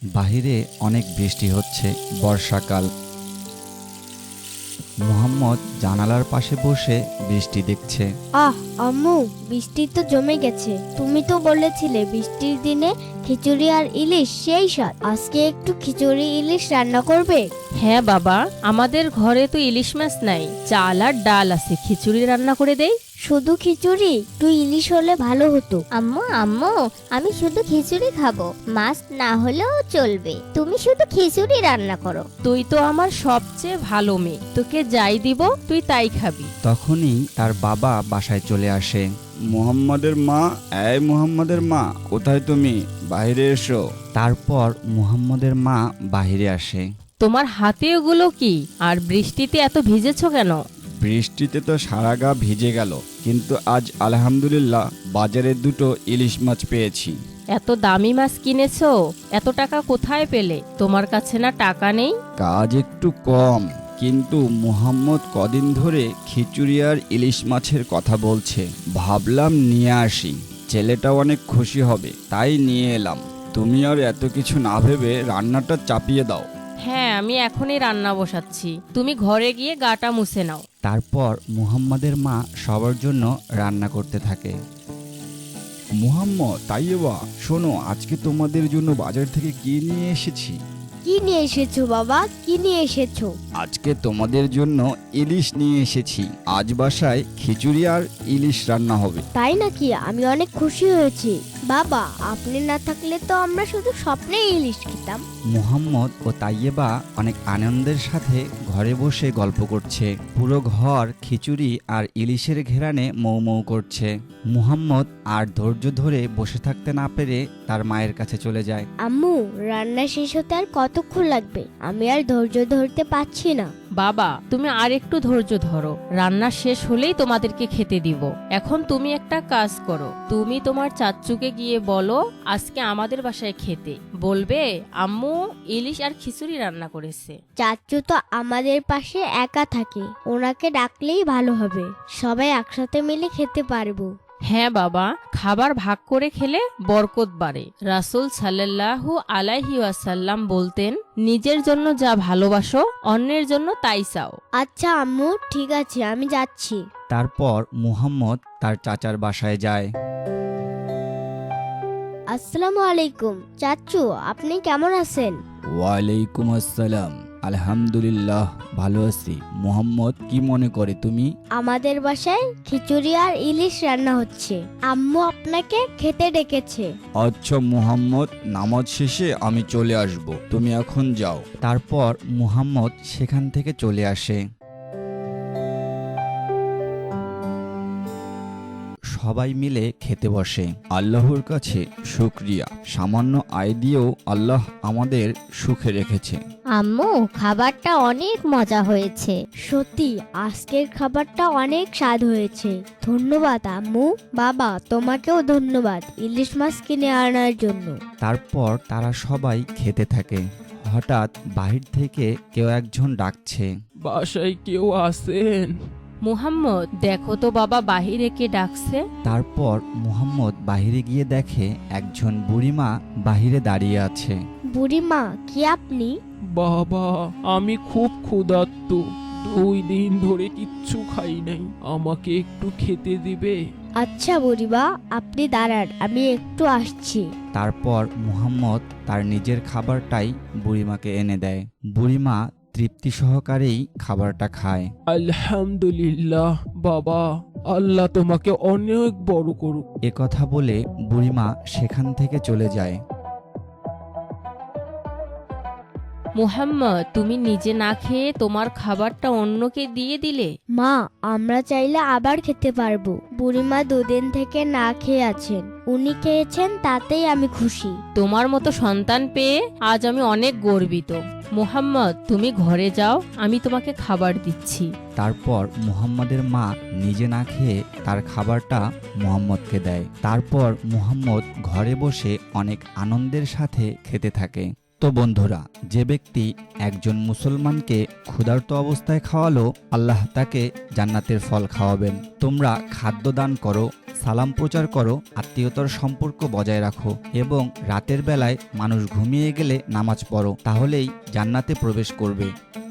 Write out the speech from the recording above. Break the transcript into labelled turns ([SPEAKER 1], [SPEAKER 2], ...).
[SPEAKER 1] বাহিরে অনেক বৃষ্টি হচ্ছে। বর্ষাকাল। মুহাম্মদ জানালার পাশে বসে বৃষ্টি দেখছে।
[SPEAKER 2] আহ আম্মু, বৃষ্টি তো জমে গেছে। তুমি তো বলেছিলে বৃষ্টির দিনে খিচুড়ি আর ইলিশ সেই স্বাদ। আজকে একটু খিচুড়ি ইলিশ রান্না করবে?
[SPEAKER 3] হ্যাঁ বাবা, আমাদের ঘরে তো ইলিশ মাছ নাই, চাল আর ডাল আছে, খিচুড়ি রান্না করে দেই।
[SPEAKER 2] শুধু খিচুড়ি? একটু ইলিশ হলে ভালো হতো।
[SPEAKER 4] আম্মু আম্মু, আমি শুধু খিচুড়ি খাবো, মাছ না হলেও চলবে। তুমি শুধু খিচুড়ি রান্না করো।
[SPEAKER 3] তুই তো আমার সবচেয়ে ভালো মেয়ে, তোকে যাই দিব তুই তাই খাবি।
[SPEAKER 1] তখনই তার বাবা বাসায় চলে আসে। মুহাম্মাদের মা, এই মুহাম্মাদের মা, কোথায় তুমি? বাইরে এসো। তারপর মুহাম্মাদের মা বাইরে আসে।
[SPEAKER 3] তোমার হাতে ওগুলো কি? আর বৃষ্টিতে এত ভিজেছো কেন?
[SPEAKER 1] বৃষ্টিতে তো সারা গা ভিজে গেল, কিন্তু আজ আলহামদুলিল্লাহ বাজারে দুটো ইলিশ মাছ পেয়েছি।
[SPEAKER 3] এত দামি মাছ কিনেছো, এত টাকা কোথায় পেলে? তোমার কাছে না টাকা নেই?
[SPEAKER 1] কাজ একটু কম, কিন্তু মুহাম্মদ কদিন ধরে খিচুড়ি আর ইলিশ মাছের কথা বলছে, ভাবলাম নিয়ে আসি। ছেলেটা অনেক খুশি হবে, তাই নিয়ে এলাম। তুমি আর এত কিছু না ভেবে রান্নাটা চাপিয়ে দাও।
[SPEAKER 3] হ্যাঁ, আমি এখনই রান্না বসাচ্ছি, তুমি ঘরে গিয়ে গাটা মুছে নাও।
[SPEAKER 1] তারপর মুহাম্মাদের মা সবার জন্য রান্না করতে থাকে। মুহাম্মদ, তাইয়েবা, শোনো, আজকে তোমাদের জন্য বাজার থেকে কি নিয়ে এসেছি।
[SPEAKER 2] কি নিয়ে এসেছো বাবা? কি নিয়ে এসেছো?
[SPEAKER 1] আজকে তোমাদের জন্য ইলিশ নিয়ে এসেছি। আজ বাসায় খিচুড়ি আর ইলিশ রান্না হবে।
[SPEAKER 2] তাই নাকি? আমি অনেক খুশি হয়েছি। বাবা, আপনি না থাকলে তো আমরা শুধু স্বপ্নে ইলিশ খেতাম।
[SPEAKER 1] মুহাম্মদ ও তাইয়েবা অনেক আনন্দের সাথে ঘরে বসে গল্প করছে। পুরো ঘর খিচুড়ি আর ইলিশের ঘেরানে মৌ মৌ করছে। মুহাম্মদ আর ধৈর্য ধরে বসে থাকতে না পেরে তার মায়ের কাছে চলে যায়।
[SPEAKER 2] আম্মু, রান্না শেষ হতে আর কতক্ষণ লাগবে? আমি আর ধৈর্য ধরতে পারছি না।
[SPEAKER 3] বাবা, তুমি আর একটু ধৈর্য ধরো, রান্না শেষ হলেই তোমাদেরকে খেতে দিব। এখন তুমি একটা কাজ করো, তুমি তোমার চাচ্চুকে গিয়ে বলো আজকে আমাদের বাসায় খেতে। বলবে আম্মু ইলিশ আর খিচুড়ি রান্না করেছে।
[SPEAKER 2] চাচু তো আমাদের পাশে একা থাকে, ওনাকে ডাকলেই ভালো হবে। সবাই একসাথে মিলে খেতে পারবো।
[SPEAKER 3] হ্যাঁ বাবা, খাবার ভাগ করে খেলে বরকত বাড়ে। রাসূল সাল্লাল্লাহু আলাইহি ওয়াসাল্লাম বলতেন, নিজের জন্য যা ভালোবাসো অন্যের জন্য তাই চাও।
[SPEAKER 2] আচ্ছা আম্মু, ঠিক আছে, আমি যাচ্ছি।
[SPEAKER 1] তারপর মুহাম্মদ তার চাচার বাসায় যায়।
[SPEAKER 2] আসসালামু আলাইকুম চাচু, আপনি কেমন আছেন?
[SPEAKER 1] ওয়ালাইকুম আসসালাম। আলহামদুলিল্লাহ, ভালো আছি। মুহাম্মদ, কি মনে করে তুমি?
[SPEAKER 2] আমাদের বাসায় খিচুড়ি আর ইলিশ রান্না হচ্ছে, আম্মু আপনাকে খেতে ডেকেছে।
[SPEAKER 1] আচ্ছা মুহাম্মদ, নামাজ শেষে আমি চলে আসব, তুমি এখন যাও। তারপর মুহাম্মদ সেখান থেকে চলে আসে। সবাই মিলে খেতে বসে। আল্লাহর কাছে শুকরিয়া, সামান্য আয় দিয়েও আল্লাহ আমাদের সুখে রেখেছে।
[SPEAKER 4] আম্মু, খাবারটা অনেক মজা হয়েছে।
[SPEAKER 2] সত্যি আজকের খাবারটা অনেক স্বাদ হয়েছে। ধন্যবাদ আম্মু। বাবা, তোমাকেও ধন্যবাদ ইলিশ মাছ কিনে আনার জন্য।
[SPEAKER 1] তারপর তারা সবাই খেতে থাকে। হঠাৎ বাহির থেকে কেউ একজন ডাকছে।
[SPEAKER 5] বাসায় কেউ আছেন?
[SPEAKER 3] মুহাম্মদ, দেখো তো বাবা বাহিরে কে ডাকছে।
[SPEAKER 1] তারপর মুহাম্মদ বাহিরে গিয়ে দেখে একজন বুড়িমা বাহিরে দাঁড়িয়ে আছে।
[SPEAKER 2] বুড়িমা, কি আপনি?
[SPEAKER 5] বাবা, আমি খুব ক্ষুধার্ত, 2 দিন ধরে কিচ্ছু খাই নাই, আমাকে একটু খেতে দিবে?
[SPEAKER 2] আচ্ছা বুড়িমা, আপনি দাঁড়ান, আমি একটু আসছি।
[SPEAKER 1] তারপর মুহাম্মদ তার নিজের খাবারটাই বুড়িমাকে এনে দেয়। বুড়িমা তৃপ্তি সহকারেই খাবারটা খায়।
[SPEAKER 5] আলহামদুলিল্লাহ বাবা, আল্লাহ তোমাকে অনেক বড় করুক।
[SPEAKER 1] এ কথা বলে বুড়িমা সেখান থেকে চলে যায়।
[SPEAKER 3] মুহাম্মদ, তুমি নিজে না খেয়ে তোমার খাবারটা অন্যকে দিয়ে দিলে।
[SPEAKER 2] মা, আমরা চাইলে আবার খেতে পারবো। বুড়িমা 2 দিন থেকে না খেয়ে আছেন, উনি খেয়েছেন, তাতেই আমি খুশি।
[SPEAKER 3] তোমার মতো সন্তান পেয়ে আজ আমি অনেক গর্বিত। মুহাম্মদ, তুমি ঘরে যাও, আমি তোমাকে খাবার দিচ্ছি।
[SPEAKER 1] তারপর মুহাম্মদের মা নিজে না খেয়ে তার খাবারটা মুহাম্মদকে দেয়। তারপর মুহাম্মদ ঘরে বসে অনেক আনন্দের সাথে খেতে থাকে। তো বন্ধুরা, যে ব্যক্তি একজন মুসলমানকে ক্ষুধার্ত অবস্থায় খাওয়ালো, আল্লাহ তাকে জান্নাতের ফল খাওয়াবেন। তোমরা খাদ্য দান করো, সালাম প্রচার করো, আত্মীয়তার সম্পর্ক বজায় রাখো এবং রাতের বেলায় মানুষ ঘুমিয়ে গেলে নামাজ পড়ো, তাহলেই জান্নাতে প্রবেশ করবে।